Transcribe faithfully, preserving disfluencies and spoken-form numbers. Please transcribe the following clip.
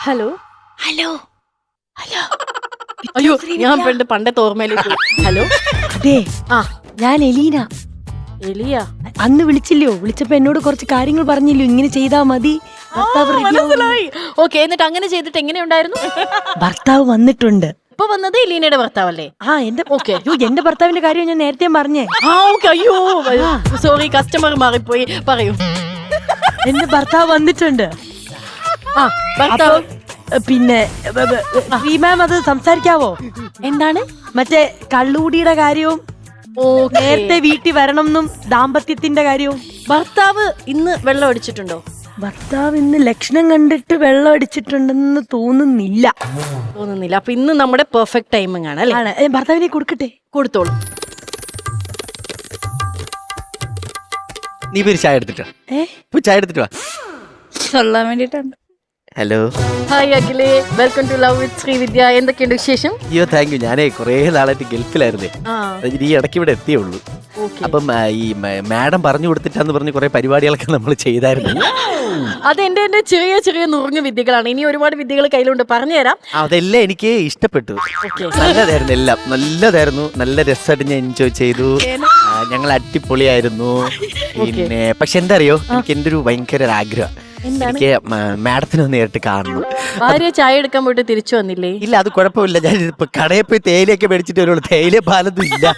Hello hello hello അയ്യോ ഞാൻ പണ്ട് പണ്ടത്തെ ഓർമ്മയിലേക്ക് പോയി. ഹലോ അതെ ആ ഞാൻ എലീന. എലിയ അന്ന് വിളിച്ചില്ലയോ? വിളിച്ചപ്പോ എന്നോട് കുറച്ച് കാര്യങ്ങൾ പറഞ്ഞില്ലയോ, ഇങ്ങനെ ചെയ്താ മതി, ഭർത്താവ് ready ആവും. മനസ്സിലായി. ഓക്കെ, എന്നിട്ട് അങ്ങനെ ചെയ്തിട്ട് എങ്ങനെയുണ്ടായിരുന്നു? ഭർത്താവ് വന്നിട്ടുണ്ട്. ഇപ്പൊ വന്നത് എലീനയുടെ ഭർത്താവല്ലേ? ആ എന്റെ ഓക്കെ എന്റെ ഭർത്താവിന്റെ കാര്യം ഞാൻ നേരത്തെ പറഞ്ഞേ. ആ ഓക്കെ. അയ്യോ സോറി, കസ്റ്റമർ മാറിപ്പോയി. പറയൂ. എന്റെ ഭർത്താവ് വന്നിട്ടുണ്ട്. ആ ഭർത്താവ് അപ്പൊ, പിന്നെ ശ്രീ മാം അത് സംസാരിക്കാവോ? എന്താണ്? മറ്റേ കള്ളുകൂടിയുടെ കാര്യവും ഓക്കേ. നേരത്തെ വീട്ടിൽ വരണം എന്നും ദാമ്പത്യത്തിന്റെ കാര്യവും. ഭർത്താവ് ഇന്ന് വെള്ളം അടിച്ചിട്ടുണ്ടോ? ഭർത്താവ് ഇന്ന് ലക്ഷണം കണ്ടിട്ട് വെള്ളം അടിച്ചിട്ടുണ്ടെന്ന് തോന്നുന്നില്ല. തോന്നുന്നില്ല. അപ്പൊ ഇന്ന് നമ്മുടെ പെർഫെക്റ്റ് ടൈമിംഗ് ആണ് അല്ലേ? ആണ്. ഏ, ഭർത്താവിനെ കൊടുക്കട്ടെ? കൊടുത്തോളൂ. നീ പോയി ചായ എടുത്തിട്ടോ. ഏ പോയി ചായ എടുത്തിട്ട് വാ. ചൊല്ലാൻ വേണ്ടിട്ടാണ്. ഹലോ. ഹായ് അഖിലേ, welcome to love with Srividya. എന്തൊക്കെയുണ്ട് വിശേഷം? അയ്യോ താങ്ക് യു. ഞാനേ കുറേ നാളായിട്ട് ഗൾഫിലായിരുന്നേ. ആ ഈ ഇടയ്ക്ക് ഇവിടെ എത്തിയേ ഉള്ളൂ. ഓക്കെ. അപ്പം ആ, ഈ മ- മാഡം പറഞ്ഞു കൊടുത്തിട്ടാന്ന് പറഞ്ഞ് കുറെ പരിപാടികളൊക്കെ നമ്മൾ ചെയ്തായിരുന്നു. അത് എന്റെ എന്റെ ചെറിയ ചെറിയ നുറുങ്ങ വിദ്യകളാണ്. ഇനി ഒരുപാട് വിദ്യകൾ കയ്യിലുണ്ട്, പറഞ്ഞുതരാം. അതെല്ലാം എനിക്ക് ഇഷ്ടപ്പെട്ടു. ഓക്കെ. നല്ലതായിരുന്നു, എല്ലാം നല്ലതായിരുന്നു. നല്ല രസമായിട്ട് ഞാൻ എൻജോയ് ചെയ്തു. ആ, ഞങ്ങൾ അടിപൊളിയായിരുന്നു. പിന്നെ പക്ഷെ എന്താ അറിയോ, എനിക്ക് എൻ്റെ ഒരു ഭയങ്കര ഒരു ആഗ്രഹം, എന്താണ്? എനിക്ക് മാഡത്തിനെ ഒന്ന് നേരിട്ട് കാണണം. ഭാര്യ ചായ എടുക്കാൻ പോയിട്ട് തിരിച്ചു വന്നില്ലേ? ഇല്ല അത് കുഴപ്പമില്ല. ഞാൻ ഇപ്പൊ കടയിൽ പോയി തേയിലയൊക്കെ മേടിച്ചിട്ട് വരുള്ളൂ. തേയില പാലൊന്നും ഇല്ല.